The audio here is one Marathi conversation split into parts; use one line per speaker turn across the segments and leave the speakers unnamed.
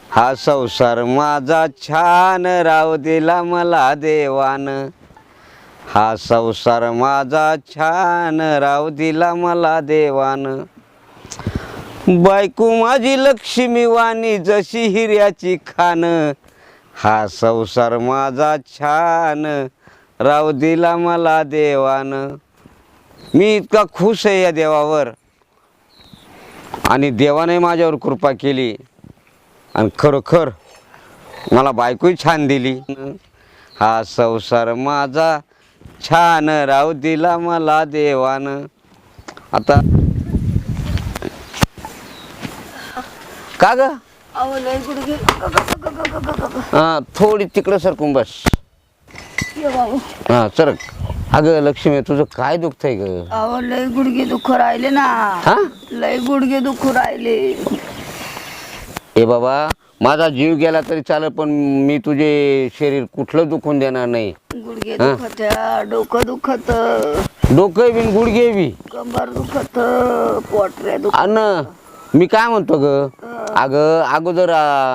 हा संसार माझा छान राव दिला मला देवान, हा संसार माझा छान राव दिला मला देवान, बायको माझी लक्ष्मी वाणी जशी हिऱ्याची खान, हा संसार माझा छान राव दिला मला देवान. मी इतका खुश आहे या देवावर आणि देवाने माझ्यावर कृपा केली आणि खरोखर मला बायकोही छान दिली. हा संसार माझा छान राव दिला मला देवान. आता का ग थोडी तिकडं सरकून बस. हा सरक. अगं लक्ष्मी तुझं काय दुखतंय ग?
अहो लय गुडघे दुखू राहिले ना.
हा
लय गुडघे दुखू राहिले.
ए बाबा माझा जीव गेला तरी चालेल पण मी तुझे शरीर कुठलं दुखून देणार नाही.
गुडघे दुखत, डोकं दुखत,
डोकं बिन गुडघे बी,
कंबर दुखत, पोटऱ्या दुखत.
अन मी काय म्हणतो ग, अगं अगोदर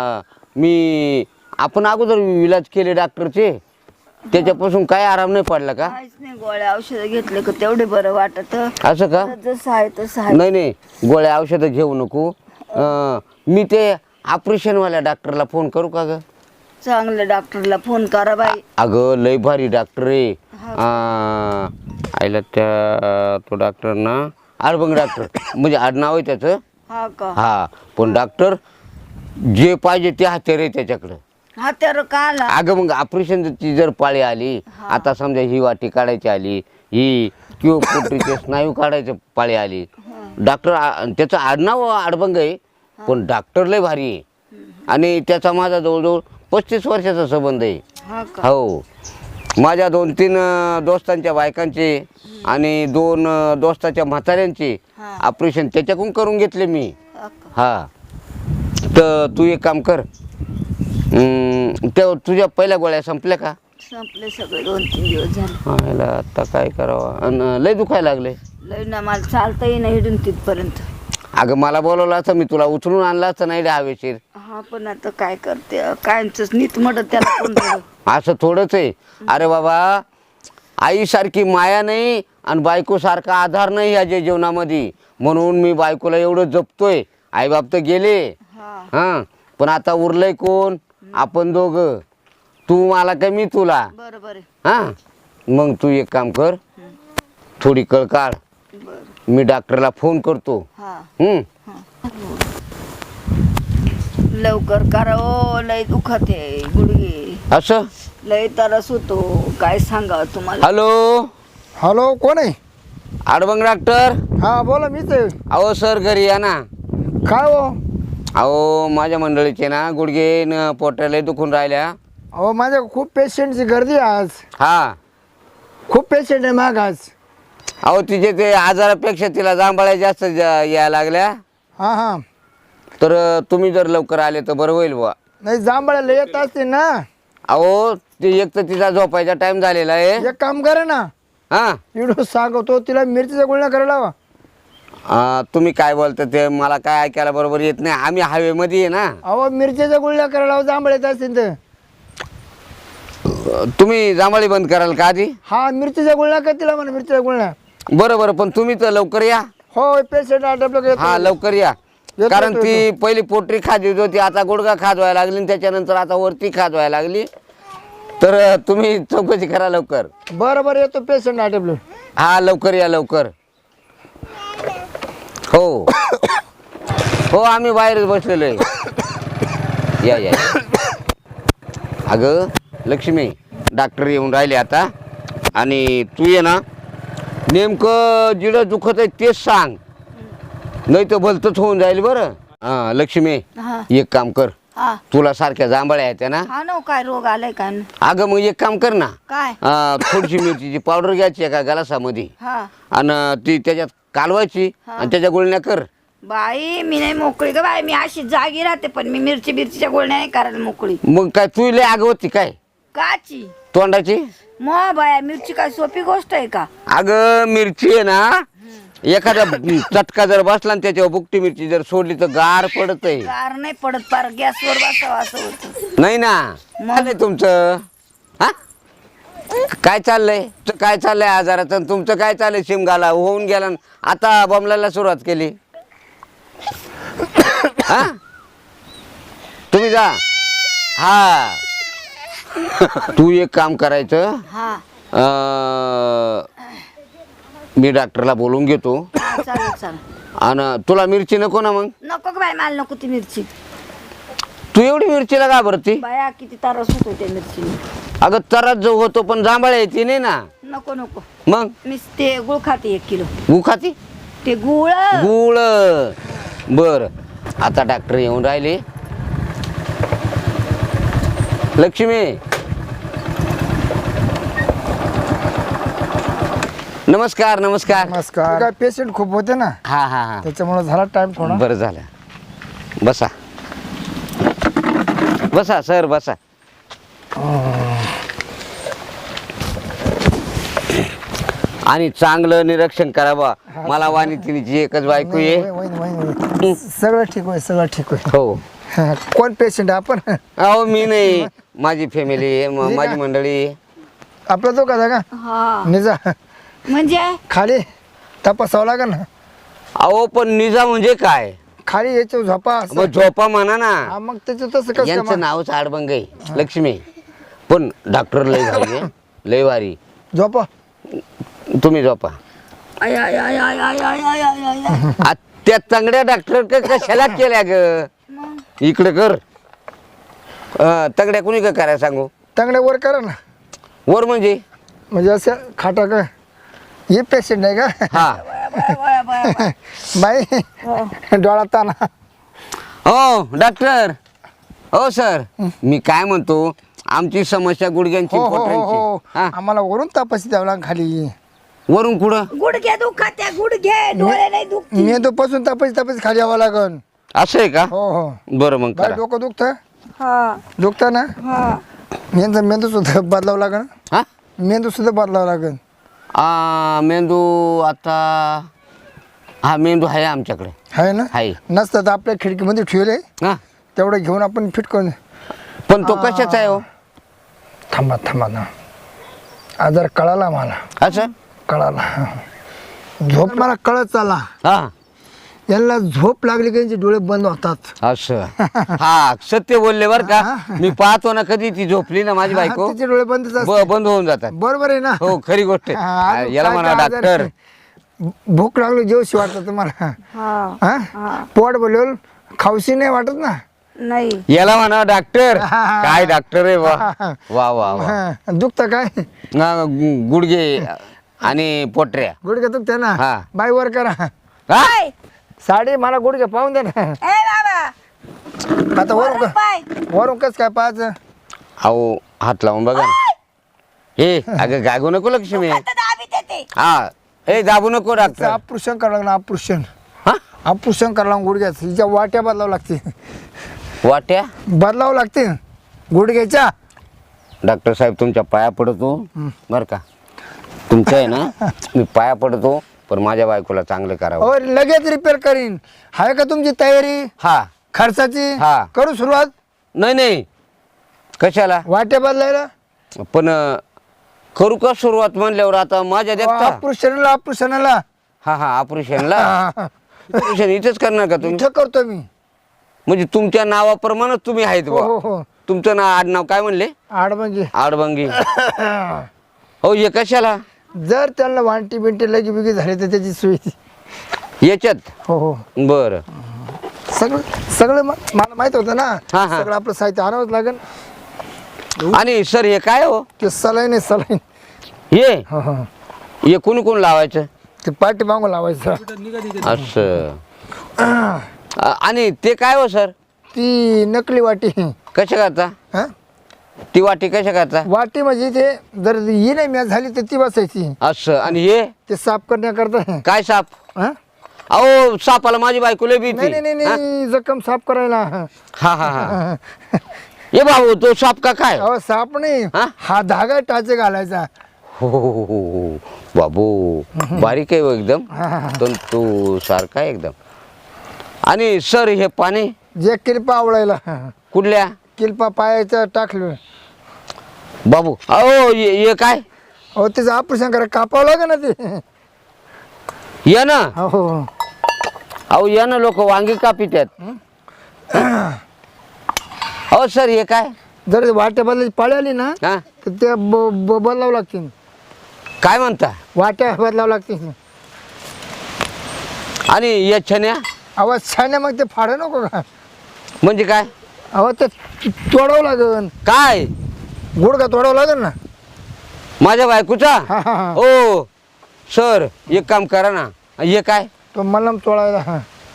आपण अगोदर इलाज केले डॉक्टरचे, त्याच्यापासून काय आराम नाही पडला का?
काहीच नाही. गोळ्या औषध घेतले का तेवढे बरं वाटत.
असं का?
जसं आहे तसं आहे.
नाही नाही गोळ्या औषधं घेऊ नको. मी ते ऑपरेशनवाल्या डॉक्टरला फोन करू का ग?
चांगल्या डॉक्टरला फोन करा बाई.
अगं लय भारी डॉक्टर आहे. आईला त्या तो डॉक्टर ना अडबंग डॉक्टर म्हणजे आडनाव आहे त्याचं.
हा का?
हा पण डॉक्टर जे पाहिजे ते हत्यार आहे त्याच्याकडं.
हा तर का आला?
अगं मग ऑपरेशनची जर पाळी आली, आता समजा ही वाटी काढायची आली, ही किंवा पोटरीचे स्नायू काढायची पाळी आली, डॉक्टर त्याचं आडनाव अडबंग आहे पण डॉक्टर लय भारी आहे. आणि त्याचा माझा जवळजवळ 35 वर्षाचा संबंध आहे.
हा का?
हो माझ्या 2-3 दोस्तांच्या बायकांचे आणि 2 दोस्ताच्या म्हाताऱ्यांचे ऑपरेशन त्याच्याकडून करून घेतले मी.
हा का?
हा तर तू एक काम कर, तुझ्या पहिल्या गोळ्या संपल्या का?
संपले सगळे. 2-3 दिवस झाले.
ह्याला आता काय करावं? आणि लय दुखायला लागले.
लय ना मला चालताही नाही इथून तिथपर्यंत.
अगं मला बोलवलं असतं मी तुला उचलून आणला असतं नाही हवेशीर.
हा पण आता काय करते, कायच नीट म्हणत त्याला कोण बरं.
असं थोडंच आहे. अरे बाबा आईसारखी माया नाही आणि बायकोसारखा आधार नाही या जीवनामध्ये, म्हणून मी बायकोला एवढं जपतोय. आईबाप तर गेले, हां पण आता उरलंय कोण? आपण दोघं, तू मला काय मी तुला.
बरोबर आहे.
हां मग तू एक काम कर, थोडी कळ काढ,
बरं.
मी डॉक्टरला फोन करतो.
हा
हम्म
लवकर करा ओ, लय दुखत आहे गुडघे.
असं
लय त्रास होतो, काय सांगावं तुम्हाला.
हॅलो
हॅलो कोण आहे?
आडबंग डॉक्टर.
हा बोला मीच आहे.
अहो सर घरी या ना.
काय हो?
अहो माझ्या मंडळीचे ना गुडघे न पोटाला दुखून राहिल्या.
अहो माझ्या खूप पेशंटची गर्दी आहे आज.
हा
खूप पेशंट आहे माग आज.
अहो तिचे ते आजारापेक्षा तिला जांभळ्या जास्त यायला लागल्या.
हां हां
तर तुम्ही जर लवकर आले तर बरं होईल बुवा.
नाही जांभळ्याला येत असते ना.
अहो ते एक तर तिचा झोपायचा टाइम झालेला आहे.
एक काम करा ना,
हां
व्हिडिओ सांगतो तिला मिरचीच्या गुळण्या करायला लावा.
तुम्ही काय बोलता ते मला काय ऐकायला बरोबर येत नाही. आम्ही हवेमध्ये आहे ना.
अहो मिरचीच्या गुळण्या करायला लावा, जांभळ येत असतील तर.
तुम्ही जांभळी बंद कराल का आधी?
हा मिरचीच्या गुळण्या का तिला म्हणा, मिरचीच्या गुळण्या.
बरं बरं पण तुम्ही तर लवकर या.
हो पेशंट आटपलं
हा लवकर या.
येतो,
कारण
येतो,
ती पहिली पोटरी खाजवीत होती, आता गुडघा खाजवायला लागली आणि त्याच्यानंतर आता वरती खाजवायला लागली. तर तुम्ही चौकशी करा लवकर.
बरं बरं येतो पेशंट आटपलं.
हा लवकर या लवकर. हो हो आम्ही बाहेरच बसलेलो आहे. या या. अगं लक्ष्मी डॉक्टर येऊन राहिले आता आणि तू ये ना, नेमकं जिडं दुखत आहे तेच सांग, नाही तर भलतंच होऊन जाईल बरं. हां लक्ष्मी
हा
एक काम कर,
हा
तुला सारख्या जांभळ्या आहेत ना.
हा ना, काय रोग आलाय काय?
अगं मग एक काम कर ना,
काय?
थोडीशी मिरचीची पावडर घ्यायची एका गलासामध्ये
हा
आणि ती त्याच्यात कालवायची आणि त्याच्या गुळण्या कर.
बाई मी नाही मोकळी ग बाई, मी अशी जागी राहते पण मी मिरचीच्या गोळण्या नाही करायला मोकळी.
मग काय तू लय आग होती काय
काची
तोंडाची?
मग बाया मिरची काय सोपी गोष्ट आहे का?
अगं मिरची आहे ना एखादा चटका जर बसला आणि त्याच्यावर बुकटी मिरची जर सोडली तर गार पडत आहे.
कार नाही पडत, पार गॅसवर बसावं असं होतं.
नाही ना झालंय तुमचं. हा काय चाललंय काय चाललंय आजाराचं आणि तुमचं काय चाललंय? शिमगाला होऊन गेला न आता बमलायला सुरुवात केली. हा तुम्ही जा. हा तू एक काम करायचं.
हा
मी डॉक्टरला बोलून घेतो.
चालेल चालेल.
आणि तुला मिरची नको ना? मग
नको ग बाय, मला नको ती मिरची.
तू एवढी मिरचीला घाबरती?
बाया किती तारस होतो त्या मिरची.
अगं तरच जो होतो पण जांभळ्या येते नाही ना.
नको नको,
मग
मी ते गुळ खाते 1 किलो.
गु खाती?
ते गुळ.
गुळ. बर आता डॉक्टर येऊन राहिले. लक्ष्मी नमस्कार. नमस्कार.
नमस्कार. काय पेशंट खूप होते ना,
हा हा हा
त्याच्यामुळे झाला टाइम थोडा.
बरं झालं. बसा बसा सर बसा. आणि चांगलं निरीक्षण करावं. मला वाणितिनीची एकच बायको आहे.
सगळं ठीक होय, सगळं ठीक होय.
हो.
कोण पेशंट आपण?
अहो मी नाही, माझी फॅमिली माझी मंडळी.
आपला तो का
हा
निजा
म्हणजे
खाली तपासावं लागेल ना.
अहो पण निजा म्हणजे काय?
खाली याच्या झोपा असं.
मग झोपा म्हणा ना.
हा, मग त्याचं तसं कसं
यांचं
मग?
नावच आडबंग आहे लक्ष्मी. पण डॉक्टर लय भारी आहे, लय भारी.
झोपा.
तुम्ही झोपा.
आय आय आय आय आय आय आय आय आय आय.
आ, त्या तंगड्या डॉक्टर कशाला केल्या ग?
मग
इकडे कर. तंगड्या कुणी का करायला सांगू?
चांगल्या वर करा ना.
वर म्हणजे
असं खाटा का हे पेशंट आहे का?
हा.
बाया, बाया, बाया.
बाई डोळा ताना.
हो डॉक्टर. हो सर मी काय म्हणतो, आमची समस्या गुडघ्यांची
हो हो हो
पोटांची.
हो.
हा.
आम्हाला वरून तपास द्यावं लागेल खाली.
वरून कुठं?
गुडघे दुखात्या, गुडघे डोळे नाही दुखती.
मेंदू पासून तपास खाली यावं लागल.
असं आहे का?
हो हो.
बरं मग
बाई
करा.
डोकं दुखतं?
हा
दुखतं ना?
हा.
यांचा मेंदू सुद्धा बदलावं लागेल.
हा
मेंदू सुद्धा बदलावं लागेल.
मेंदू आता हा मेंदू आहे आमच्याकडे.
आहे ना?
आहे.
नसतं तर आपल्या खिडकीमध्ये ठेवले,
हा
तेवढं घेऊन आपण फिट करून.
पण तो कशाचा आहे हो?
थांबा थांबा ना, आजार कळाला मला.
असं
कळाला. झोप मला कळत चाला.
हा
यांना झोप लागली की यांचे डोळे बंद होतात.
असं. हा सत्य बोलले बर का. मी पाहतो ना कधी ती झोपली ना माझी बायको,
तिचे डोळे बंदच असतात.
बंद होऊन जातात.
बरोबर आहे ना?
हो खरी गोष्ट
हा,
आहे.
अजून
याला
काय
म्हणा
काय आजार
डॉक्टर.
आहे? भूक लागली जेवशी वाटत तुम्हाला?
हा
हा? पोट बोलवल खाऊशी नाही वाटत ना?
नाही.
याला म्हणा डॉक्टर.
हा.
काय डॉक्टर आहे वा वा वा वा.
हा, दुखतं काय?
गुडघे आणि पोटऱ्या.
गुडघे दुखते ना?
हा.
बाई वर करा.
हा?
पाय.
साडी मला गुडघे पाहून दे ना.
ए बाबा,
आता वरून
पाय.
वरून कस काय पाहायचं?
अहो हात लावून बघा ना. हे अगं गागू नको लक्ष्मी.
आता दाबीत येते.
हा हे दाबू नको डॉक्टर.
ऑपरेशन करावं लागलं. ऑपरेशन
हा
ऑपरेशन करावं लागलं गुडघ्याचं. हिच्या वाट्या बदलावं लागते.
वाट्या.
बदलावं लागते गुडघ्याच्या.
डॉक्टर साहेब तुमच्या पाया पडतो बर का. तुमचं आहे ना मी पाया पडतो, पण माझ्या बायकोला चांगलं करावं.
हो लगेच रिपेअर करीन. आहे का तुमची तयारी
हा
खर्चाची?
हा.
करू सुरुवात.
नाही नाही कशाला
वाट्या बदलायला.
पण करू का सुरुवात म्हणल्यावर आता माझ्या देखता.
ऑपरेशनला
हा हा ऑपरेशनला. ऑपरेशन इथेच करणार का तुम्ही?
इथं करतो मी.
म्हणजे तुमच्या नावाप्रमाणेच तुम्ही आहेत
हो
बुवा.
हो हो.
तुमचं नाव आडनाव काय म्हणले?
आडबंगी.
आडबंगी. हो हे कशाला?
जर त्यांना वांटी बिंटी लगी बिगी झाली तर त्याची सोय.
याच्यात.
हो हो.
बर
सगळं सगळं मला माहित होतं ना.
हा, हा.
सगळं आपलं साहित्य आणावंच लागेल.
आणि सर हे काय हो?
ते सलाईन आहे सलाईन.
हे
हो हो.
हे कोणी कोण लावायचं?
ते पाठी मागून लावायचं.
असं. आणि ते काय हो सर?
ती नकली वाटी.
कशा करता
हा?
ती वाटी? कशा करता?
वाटी म्हणजे ते जर ही नाही मॅच झाली तर ती बसायची.
असं. आणि हे
ते साफ करण्याकरता.
काय साप?
हा?
अहो सापाला माझी बायको लय भीती.
नाही नाही नाही जखम साफ करायला.
हा हा हा. ये भाऊ तो साप का काय?
अहो साप नाही,
हा?
हा धागा टाचे घालायचा.
हो बाबू बारीक आहे हो एकदम तंतू सारखा आहे एकदम. आणि सर हे पाणी
जे किल्पा आवडायला
कुठल्या
किल्पा पायाचं टाकलं.
बाबू अहो हे काय
अहो त्याचं ऑपरेशन करा कापावं लागेल ना ते.
या ना
हो
अहो या ना लोक वांगी कापित आहेत. अहो सर हे काय
जर वाट्या बदलायची पाळी आली ना
हा
तर ते बदलावं लागतील.
काय म्हणता
वाट्या बदलावं लागतील.
आणि या छन्या
आवाज छान मग ते फाडं नको का.
म्हणजे काय
अहो ते तोडावं लागेल.
काय
गुडघा तोडावं लागेल ना.
माझ्या बायकोचा
हा हा हा.
ओ सर एक काम करा ना हे काय
तो मलम तोडायला.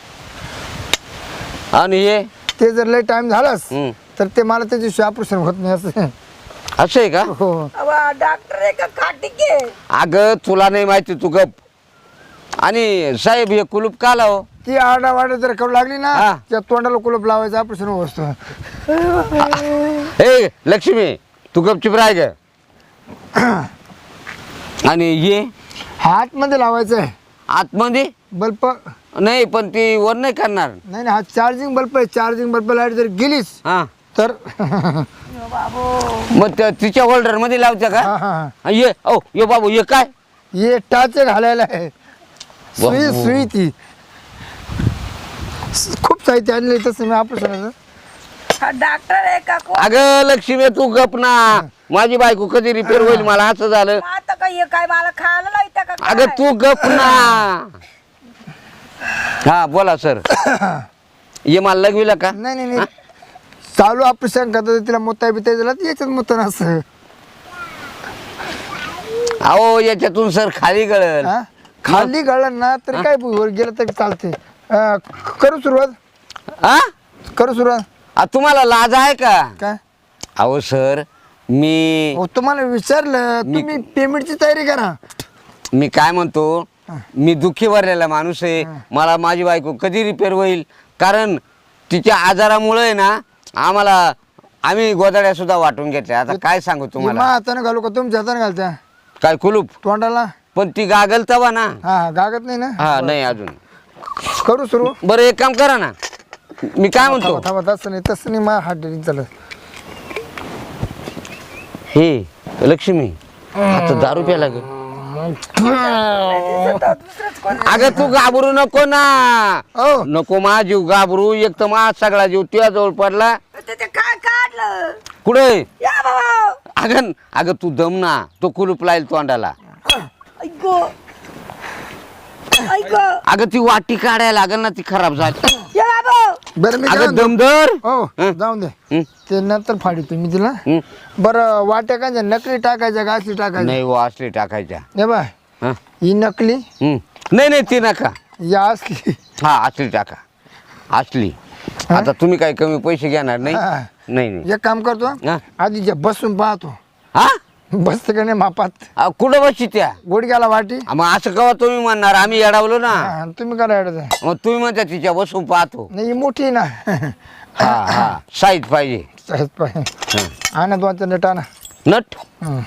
आणि हे
ते जर लय टाइम झालाच
हं.
तर ते मला त्याची ऑपरेशन होत नाही असं.
असं आहे का
हो
डॉक्टर आहे का खाटिके?
अगं तुला नाही माहिती तू गप. आणि साहेब हे कुलूप का लाव
ती आरडावारडा जर करू लागली ना
हा.
त्या तोंडाला कुलप लावायचं ऑपरेशन होत असतं.
हे लक्ष्मी तू गपचिप राह ग. आणि ये
हात मध्ये लावायचं आहे
आतमध्ये
बल्ब.
नाही पण ती वर नाही करणार.
नाही नाही हा चार्जिंग बल्ब आहे. चार्जिंग बल्ब लाईट जर गेलीच
हा
तर
मग तिच्या होल्डर मध्ये लावत्या का
हा, हा, हा.
ये ओ ये बाबू ये काय
हे टाच घालायला आहे. सुई
बाबू.
सुई ती खूप साहित्य आणले तसं मी ऑपरेशनाचं.
हा डॉक्टर आहे का कोण?
अगं लक्ष्मी तू गप ना. माझी बायको कधी रिपेअर होईल मला असं झालं.
आता का हे काय मला खायला लावता का काय?
अगं तू गप ना. हा बोला सर ये मला लगविला का
नाही नाही नाही चालू ऑपरेशन करतात तिला मोता बिता दिला याच्यात मोता असं.
अहो याच्यातून सर खाली गळल.
हा? खाली गळलं ना तर काय वर गेलं तर चालते. करू सुरुवात
हा
करू सुरुवात.
तुम्हाला लाज आहे का
काय
अहो सर मी
हो तुम्हाला विचारलं तुम्ही पेमेंटची तयारी करा.
मी काय म्हणतो मी दुःखी भरलेला माणूस आहे. मला माझी बायको कधी रिपेअर होईल कारण तिच्या आजारामुळे ना आम्ही गोदाड्या सुद्धा वाटून घेतल्या. आता काय सांगू
मा
तुम्हाला
हाताने घालू का तुमच्या हाताने घालत्या
काय कुलूप
तोंडाला.
पण ती गागल तवा ना.
हा हा गागत नाही ना.
हा नाही अजून
करू सुरू.
बरं एक काम करा ना मी काय म्हणतो
थांबा तसं नाही मा हात डेरिंग चालत.
हे लक्ष्मी आता दारू प्यायला ग.
दुसरंच कोण?
अगं तू घाबरू नको ना.
हो
नको मा जीव घाबरू. एक तर मा सगळा जीव तुझ्या जवळ पडला.
ते काय काढलं?
कुठे
या बाबा
अगं तू दम ना. तो कुलूप लाईल तोंडाला.
ऐको ऐको
अगं ती वाटी काढायला लागल ना ती खराब झाली.
या बाबा
बरं मी काय
अगं
म्हणतो?
दमदर
हो
हं?
जाऊन दे
हं?
ते नंतर फाडी तुम्ही तिला.
हं?
बरं वाट्या काय नकली टाकायच्या का असली टाकायच्या.
नाही वो असली टाकायच्या.
हे बाय
हं?
ही नकली
नाही ती नका.
या असली.
हा असली टाका असली. आता तुम्ही काही कमी पैसे घेणार नाही.
हा.
नाही
एक काम करतो
हा?
आधी जे बसून पाहतो
हा
बसते का नाही मापात
कुठं बसची त्या
गुडघ्याला वाटी.
मग असं कवा तुम्ही म्हणणार आम्ही येडावलो ना.
हा, तुम्ही करा अडचण.
मग तुम्ही म्हणता तिच्या बसून पाहतो.
नाही ही मोठी आहे ना.
हा हा साईज पाहिजे.
सहज पाहिजे. आणा दोनचा नट आणा.
नट
हं.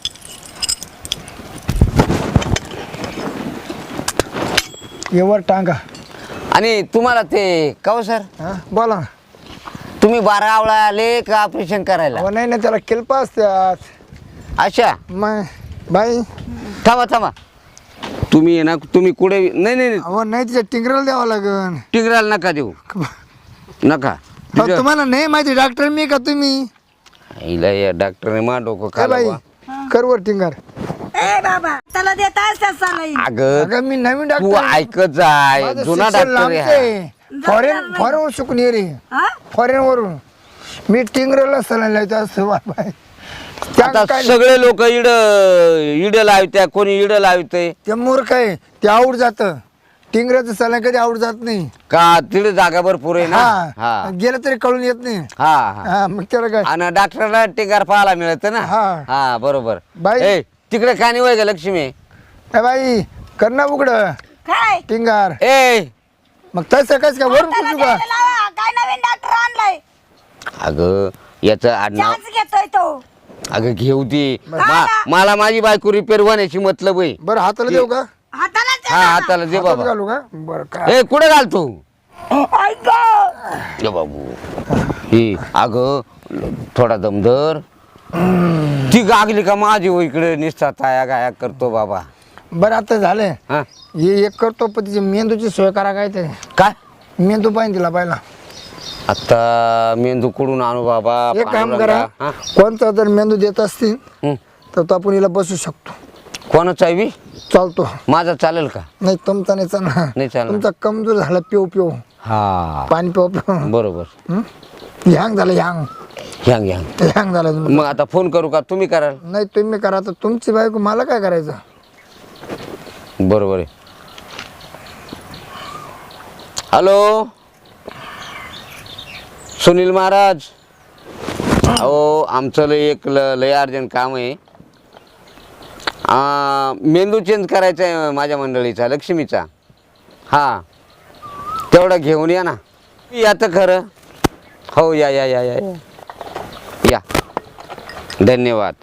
एवर टांगा.
आणि तुम्हाला ते कव सर
हा बोला ना.
तुम्ही 12 आवळा आले का ऑपरेशन करायला.
अहो नाही त्याला किल्पा असतात.
अच्छा
मग बाई
थांबा तुम्ही आहे ना तुम्ही कुठे नाही
अहो नाही तिच्या टिंगराला द्यावं लागन.
टिंगराला नका देऊ नका.
अहो, तुम्हाला नाही माहिती डॉक्टर मी का तुम्ही.
हिला या डॉक्टरने मा डोकं
काय बाई
खाल्लं.
करवर टिंगर.
ए बाबा त्याला देतास त्या सालाई.
अगं
अगं मी नवीन
तू
डॉक्टर.
ऐकत जाय जुना डॉक्टर आहे.
फॉरेन शिकून ये रे.
हा
फॉरेन वरून मी टिंगरला सलाईन लावतो असं बाय.
आता सगळे लोक इड लावत्या कोणी इड लावते
ते मूर्ख आहे ते आवड जात. टिंगराचं सलाईन कधी आवड जात नाही.
का तिकडे जागा भरपूर आहे ना.
हा
हा
गेलं तरी कळून येत नाही.
हा हा
हा मग त्याला काय.
आणि डॉक्टरला टिंगार पाहायला मिळत ना.
हा.
हा बरोबर.
बाई.
ए तिकडे का नाही वय ग लक्ष्मी.
ए बाई कर ना उघड
काय
टिंगार.
ए
मग तसं कस का वरून
त्याला
पुसू का.
द्यायला लावा. काय नवीन डॉक्टर आणलाय.
अगं याचं आडनाव
चान्स घेतोय तो.
अगं घेऊ ती मला माझी बायको रिपेअर होण्याची मतलब आहे.
बरं हाताला देऊ का?
हाताला
हा हाताला दे
हातात
बाबा.
घालू का? बरं काय
ए कुठे घालतो
ऐक
ये बाबू ही अगं थोडा दमदर ती गागली का माझी हो इकडे निसता ताया गाया करतो बाबा.
बरं आता झालंय
हा
हे एक करतो पण तिची मेंदूची सोय करा काय ते
काय
मेंदू पाहिजे तिला पाहिला.
आता मेंदू कुडून आणू बाबा.
एक काम करा
हा?
कोणता जर मेंदू देत असतील
हं.
तर तो आपण हिला बसू शकतो.
कोणाचा आहे बी?
चालतो.
माझा चालेल का?
नाही तुमचा नाही चालणार.
नाही चालणार.
तुमचा कमजोर झाला पिऊ पिऊ
हा
पाणी पिऊ पिऊ
बरोबर.
ह्यांग झालं ह्यांग
घ्यांग घ्यांग.
ह्यांग झालं तुमचं.
मग आता फोन करू का तुम्ही कराल?
नाही तुम्ही करा तर तुमची बायको मला काय करायचं.
बरोबर आहे. हॅलो सुनील महाराज अहो आमचं लय अर्जंट काम आहे. मेंदू चेंज करायचा आहे माझ्या मंडळीचा लक्ष्मीचा. हां तेवढं घेऊन या ना. या तर खरं. हो या या या या या धन्यवाद.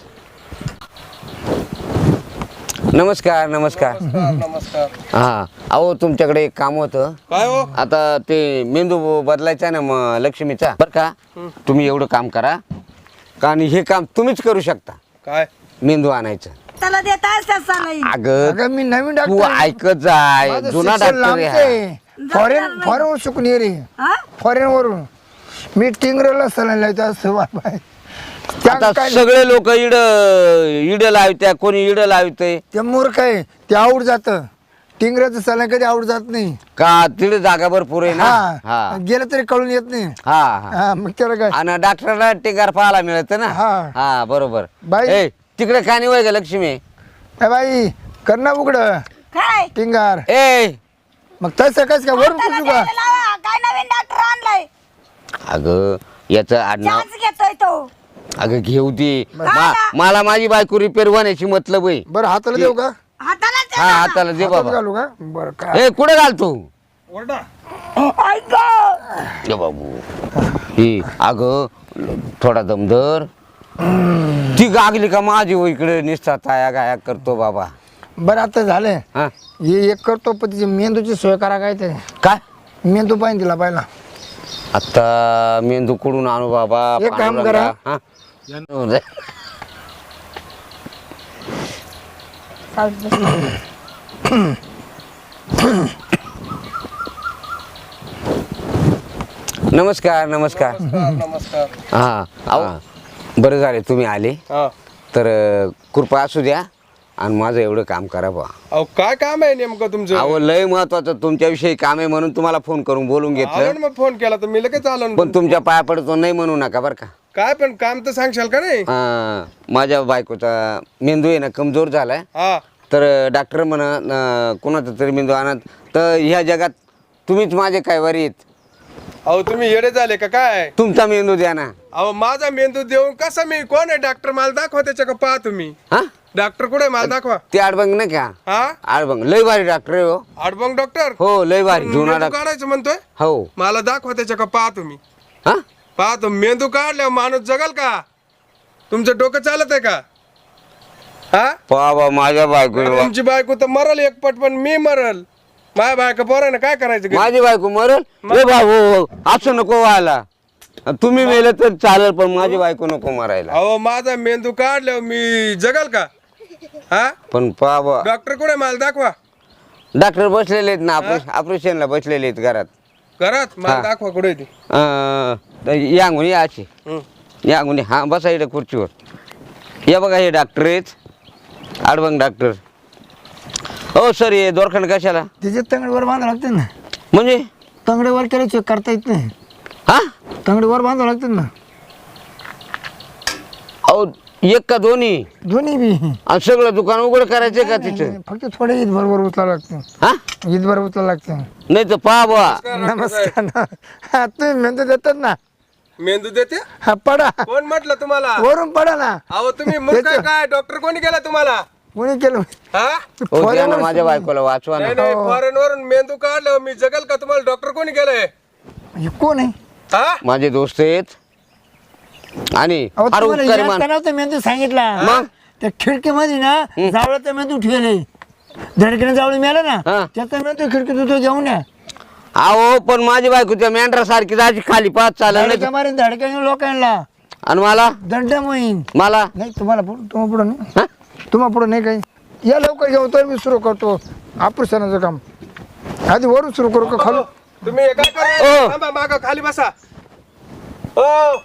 नमस्कार नमस्कार.
नमस्कार.
हां अहो तुमच्याकडे एक काम होतं.
काय हो?
आता ते मेंदू बदलायचा ना मग लक्ष्मीचा बरं का. तुम्ही एवढं काम करा का आणि हे काम तुम्हीच करू शकता.
काय
मेंदू आणायचं.
त्याला देता सलाईन.
अगं
अगं मी नवीन
तू
डॉक्टर
ऐकत जाय जुना डॉक्टर आहे.
फॉरेन फॉरेन शिकून ये रे
हा?
फॉरेन वरून मी टिंगरेला सलाईन लावतो असं बाय.
आता सगळे लोक इड लावत्या कोणी इड लावते
ते मूर्ख आहे ते आवड जात टिंगऱ्याचं सलाईन कधी आवड जात नाही.
का तिथे जागा भरपूर आहे ना.
हा
हा
गेलं तरी कळून येत नाही.
हा हा
हा मग त्याला काय
आणि डॉक्टरला टिंगार पाहायला मिळत ना.
हा.
हा बरोबर.
बाई.
ए तिकडे कानी वय का लक्ष्मी.
ए बाई कर ना उघड
काय
टिंगार.
ए
मग तसं कस का वरून
त्याला
पुसू का
द्यायला लावा. काय नवीन डॉक्टर आणलाय
अगं याचं आडनाव
चान्स घेतोय तो.
अगं घेऊ ती मला माझी बायको रिपेअर होण्याची मतलब आहे.
बरं हाताला देऊ का?
हाताला
हा हाताला दे
हातात
बाबा.
घालू का? बरं काय
ए कुठे घालतो
ओरडा.
ऐक
ये बाबू ही अगं थोडा दमदर ती गागली का माझी हो इकडे निसता ताया गाया करतो बाबा.
बरं आता झालंय
हा
हे एक करतो पण तिची मेंदूची सोय करा काय ते
काय
मेंदू पाहिजे तिला पाहिला.
आता मेंदू कुडून आणू बाबा.
एक काम करा.
हा? नमस्कार नमस्कार.
नमस्कार.
हा अहो बरं झाले तुम्ही आले
हा.
तर कृपा असू द्या आणि माझं एवढं काम करा बा.
अहो काय काम आहे नेमकं तुमचं?
अहो लय महत्वाचं तुमच्याविषयी काम आहे म्हणून तुम्हाला फोन करून बोलून
आलो
घेतलं.
ना मग फोन केला तर मी लगेच आलो ना.
पण तुमच्या पाया पडतो नाही म्हणू नका बरं का.
काय पण काम तर सांगशाल का नाही?
माझ्या बायकोचा मेंदू आहे ना कमजोर झालाय.
हा.
तर डॉक्टर म्हणा कोणाचा तरी मेंदू आणत तर ह्या जगात तुम्हीच माझे काय वरीत.
अहो तुम्ही येडे झाले का काय?
तुमचा मेंदू द्या ना.
अहो माझा मेंदू देऊन कसा मी कोण आहे डॉक्टर मला दाखवा त्याच्या का पहा तुम्ही.
हा
डॉक्टर कुठे आहे मला दाखवा.
ते आडबंग नाही का.
हा.
आडबंग लय भारी डॉक्टर आहे हो.
आडबंग डॉक्टर.
हो लय भारी जुना
मेंदू
डॉक्टर.
काढायचं म्हणतोय.
हो
मला दाखवा त्याच्या का पहा तुम्ही.
हा
पहा तो मेंदू काढल्यावर माणूस जगल का? तुमचं डोकं चालत आहे का? हा.
बाबा माझ्या बायको
तुमची बायको तर मरल एकपट पण मी मरल. माझ्या बायका पोरानं काय करायचं घरी?
माझी बायको मरल. ए भाऊ असं नको व्हायला. तुम्ही मेलं तर चालेल पण माझी बायको नको मरायला.
अहो माझा मेंदू काढल्यावर मी जगल का? हा.
पण बाबा
डॉक्टर कुठे मला दाखवा.
डॉक्टर बसलेले आहेत ना ऑपरेशनला बसलेले आहेत घरात.
घरात मला
हा.
दाखवा कुठे ती.
यांगून या अशी यांगून हा बसा इकडे खुर्चीवर. या बघा हे डॉक्टर आहेत आडबंग डॉक्टर. हो सर हे दोरखंड कशाला
तिचे तंगडीवर बांधावं लागते ना.
म्हणजे
तंगडीवर केलं चेक करता येत नाही.
हा
तंगडीवर बांधावं लागते ना.
अहो एक का दोन्ही
दोन्ही बी
आणि सगळं दुकान उघड करायचं का तिचं.
फक्त थोडे ईद बरोबर उचलावं लागतं.
हा
ईद बरोबर उचलावं लागतं.
नाही तर पहा बा.
नमस्कार ना. हा तुम्ही मेंदू देतात ना.
मेंदू देते.
हा पडा
कोण म्हटलं तुम्हाला?
वरून पडा ना.
अहो तुम्ही मूर्ख आहे काय? डॉक्टर कोणी केला तुम्हाला?
कोणी केलं
हा.
हो द्या ना माझ्या बायकोला वाचवा ना.
नाही नाही फॉरेन वरून मेंदू काढल्यावर मी जगल का? तुम्हाला डॉक्टर कोणी केलंय?
हे कोण आहे?
हा.
माझे दोस्त आहेत आणि
अहो,
फार
तुम्हाला
उपकार
जास्त
मान
नव्हतं मेंदू सांगितला
मग?
त्या खिडकीमध्ये ना जावळाचा मेंदू ठेवले धडकीने जावळी मिळाला
हा.
ना त्याचा मेंदू खिडकीत तो घेऊन या
अहो पण माझी बायको त्या मेंढरा सारखी जायची खाली पाच चालत नाही
मारेन धडक्याने लोकांना
आणि मला
दंड मोहीन
मला
नाही तुम्हाला तुम्हा पुढं नाही
हा?
तुम्हा पुढं नाही काही या लवकर घेऊ तर मी सुरू करतो ऑपरेशनाचं काम आधी वरून सुरू करू का खालू
तुम्ही हे काय
ओ.
करा थांबा, मागं खाली बसा ओ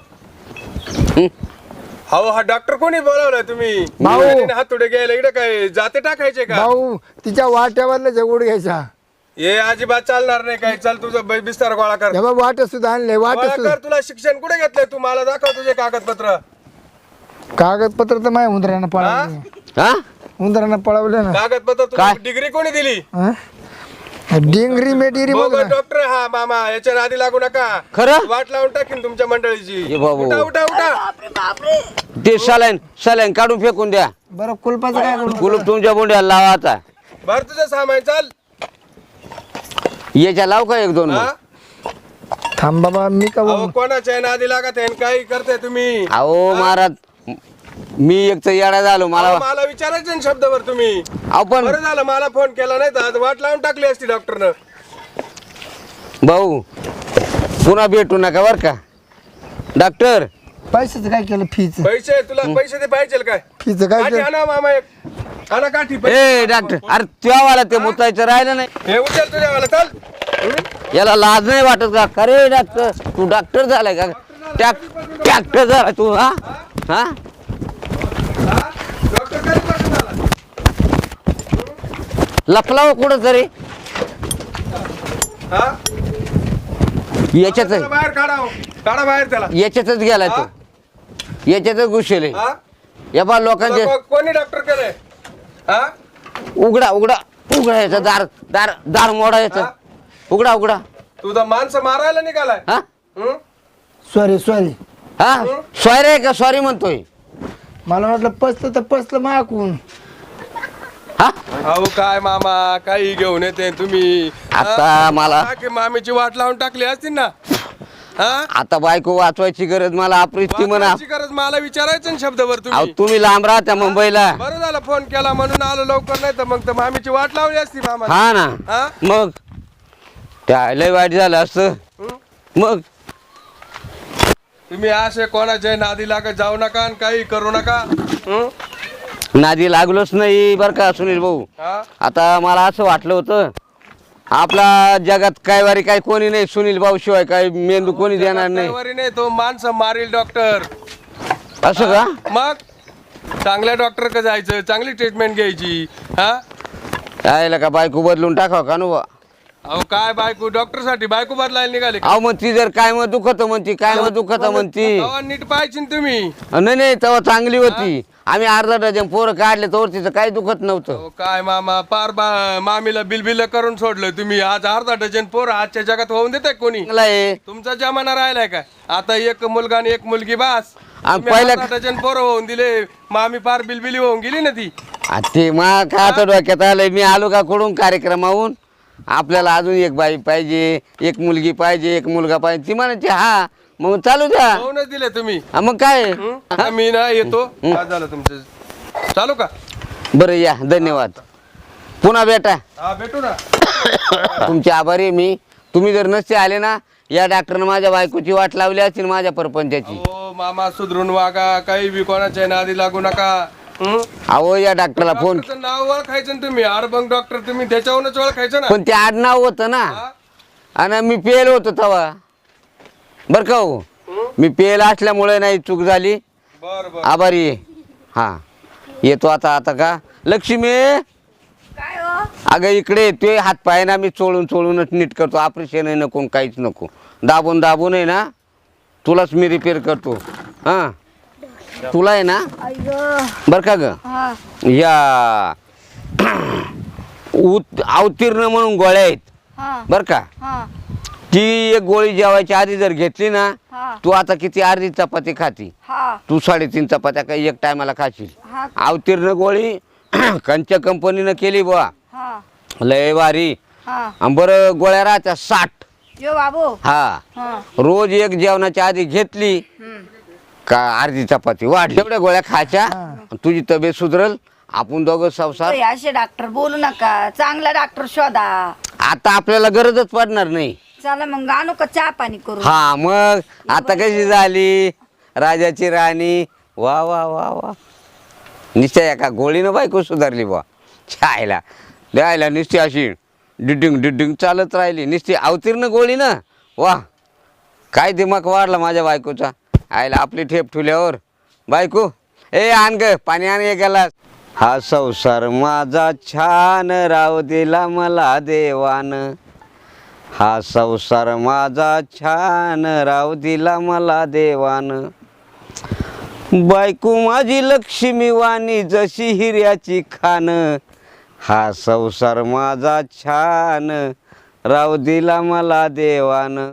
हो हा डॉक्टर कोणी बोलावलाय तुम्ही
भाऊ.
हातोडे घ्यायला इकडे काय जाते टाकायचे का
भाऊ तिच्या वाट्यावरला जगोड घ्यायचा
हे अजिबात चालणार नाही काही चल तुझं बिस्तार गोळा कर
हे बघ वाट सुद्धा आणले वाट
गोळा
सुद्धा
कर तुला शिक्षण कुठे घेतलंय तू मला दाखव तुझे कागदपत्र
कागदपत्र तर माझ्या उंदरानं पळवले
हा
उंदरानं पळवले ना
कागदपत्र तुला
काय?
डिग्री कोणी दिली
हा? डिंगरी मेडिरी बघ ना
डॉक्टर हा मामा याच्या नादी लागू नका
खरं?
वाट लावून टाकीन तुमच्या मंडळीची
ये बाबू.
उठा उठा उठा
बापरे बापरे
ते सलाईन काढून फेकून द्या
बरं कुलपाचं काय करू
कुलूप तुमच्या बोंड्याला लावा आता
भर तुझं सामान चाल
याच्या लाव का एक दोन मग?
हा?
थांब बाबा मी का
अहो कोणाच्या नादी लागत आहे काही करते तुम्ही
अहो महाराज मी एक तर येडा झालो मला
अहो, मला विचारायचं ना शब्दभर तुम्ही
अहो पण
बरं झालं मला फोन केला नाही तर आज वाट लावून टाकली असती डॉक्टरनं
भाऊ पुन्हा भेटू नका बर का डॉक्टर
पैशाचं काय केलं फीच
पैसे तुला पैसे ते पाहिजे काय
फीचं काय
काठी
केलं
आणा मामा एक आणा काठी
ए डॉक्टर अरे त्यावाला ते मुतायचं राहिलं नाही
हे उचल तुझ्या मला चल
याला लाज नाही वाटत का खरे डॉक्टर तू डॉक्टर झालाय का डॉक्टर झाला तू हा हा
डॉक्टर कधी पासून झाला
लपलाव कुठं तरी
हा
याच्यात
त्याला बाहेर काढा हो. काढा बाहेर त्याला
याच्यातच गेलाय तो याच्यातच घुसले
हा
या बा लोकांचे
तुला कोणी डॉक्टर केलंय हा
उघडा याचं दार मोडायचं
हा?
उघडा
तुझा माणसं मारायला निघालाय
हा
हं?
सॉरी
हा सॉरी आहे का सॉरी म्हणतोय
मला वाटलं पसलं तर पसलं माकून
हा
अहो काय मामा काही घेऊन येते तुम्ही
आता मला
की मामीची वाट लावून टाकली असती ना हा
आता बायको वाचवायची गरज मला अप्रिस्ती म्हणा
वाचवायची गरज मला विचारायचं ना शब्दभर
अहो
तुम्ही
तुम्ही लांब राहत्या मुंबईला
बरं झालं फोन केला म्हणून आलो लवकर नाही तर मग तर मामीची वाट लावली असती मामा
हा ना
हा?
मग त्या लय वाईट झालं असतं
हं?
मग
तुम्ही असे कोणाच्या नादी लागत जाऊ नका आणि काही करू नका हं?
नादी लागलोच नाही बर का सुनील भाऊ
हा?
आता मला असं वाटलं होतं आपला जगात काय वारी काय कोणी नाही सुनील भाऊ शिवाय काय मेंदू कोणी देणार नाही
तलवारी नाही तो माणसं मारील डॉक्टर
असं का
मग चांगल्या डॉक्टर का जायचं चांगली ट्रीटमेंट घ्यायची हा
यायला का बायको बदलून टाकावं का नु
अहो काय बायको डॉक्टर साठी बायको बदलायला निघाले का?
अहो मग ती जर काय मग दुखत म्हणती काय मग दुखत म्हणती
अहो, नीट पाहिजे ना तुम्ही
नाही तेव्हा चांगली होती आम्ही अर्धा डझन पोरं काढले तर तिचं काही दुखत नव्हतं
अहो, काय मामा पार मामीला बिलबिल करून सोडलं तुम्ही आज अर्धा डझन पोर आजच्या जगात होऊन देत कोणी
चांगलं आहे
तुमचा जमाना राहिलाय काय आता एक मुलगा आणि एक मुलगी बास
आणि
तुम्ही
पहिल्या-
अर्धा डझन पोरं होऊन दिले मामी पार बिलबिली होऊन गेली ना ती
आ, ते मग का आता डोक्यात आलंय मी आलो का कडून कार्यक्रमाहून आपल्याला अजून एक बाई पाहिजे एक मुलगी पाहिजे एक मुलगा पाहिजे ती म्हणायची हा मग चालू द्या
होऊनच दिले तुम्ही
हा, मग काय
हं? आता मी ना येतो काय झालं तुमचं चालू का
बरं या धन्यवाद पुन्हा भेटा
हा भेटू ना
तुमचे आभारी आहे मी तुम्ही जर नसते आले ना या डॉक्टरनं माझ्या बायकोची वाट लावली असतील माझ्या परपंचाची
हो मामा सुधरून वागा काही बी कोणाच्या नादी लागू नका हं?
अहो या डॉक्टरला फोन
डॉक्टरचं नाव ओळखायचं ना तुम्ही अरबंग डॉक्टर तुम्ही त्याच्यावरूनच ओळखायचं ना
पण ते आडनाव होतं ना
हा?
आणि मी पेल होतो तेव्हा बरं का हो मी पेल असल्यामुळे नाही चूक झाली
बर बर
आभारी आहे हा येतो आता का लक्ष्मी
काय हो
अगं इकडे ते हात पाय ना मी चोळूनच नीट करतो ऑपरेशन आहे नको काहीच नको दाबून आहे ना तुलाच मी रिपेअर करतो हां तुला आहे ना
अय्यो
बरं का ग
हा
या अवतीर्ण म्हणून गोळ्या आहेत
हा
बरं का
हा
ती एक गोळी जेवायच्या आधी जर घेतली ना
हा
तू आता किती अर्धी चपाती खाती
हा
तू 3.5 चपात्या काही एक टायमाला खाशील
हा
अवतीर्ण गोळी कंच्या कंपनीनं केली बुवा
हा
लय भारी
हा
आणि बरं गोळ्या राहत्या 60
यो बाबू
हा
हा
रोज एक जेवणाच्या आधी घेतली
हम्म.
का अर्धी चपाती वाढ एवढ्या गोळ्या खायच्या तुझी तब्येत सुधरल. आपण दोघं संसार.
हे असे डॉक्टर बोलू नका, चांगला डॉक्टर शोधा.
आता आपल्याला गरजच पडणार नाही.
चला मग आणू का चहा पाणी करू?
हा मग आता कशी झाली राजाची राणी. वा वा वा वा. निश्चय एका गोळीनं बायको सुधारली बा. छायला द्यायला निश्चय अशी डिडिंग डिडिंग चालत राहिली निश्चय अवतीर्ण गोळी ना. वा काय दिमाग वाढला माझ्या बायकोचा. आयला आपली ठेप ठुल्यावर बायको ए आण ग पाणी आण गेला. हा संसार माझा छान राव दिला मला देवान. हा संसार माझा छान राव दिला मला देवान. बायको माझी लक्ष्मी वाणी जशी हिऱ्याची खान. हा संसार माझा छान राव दिला मला देवान.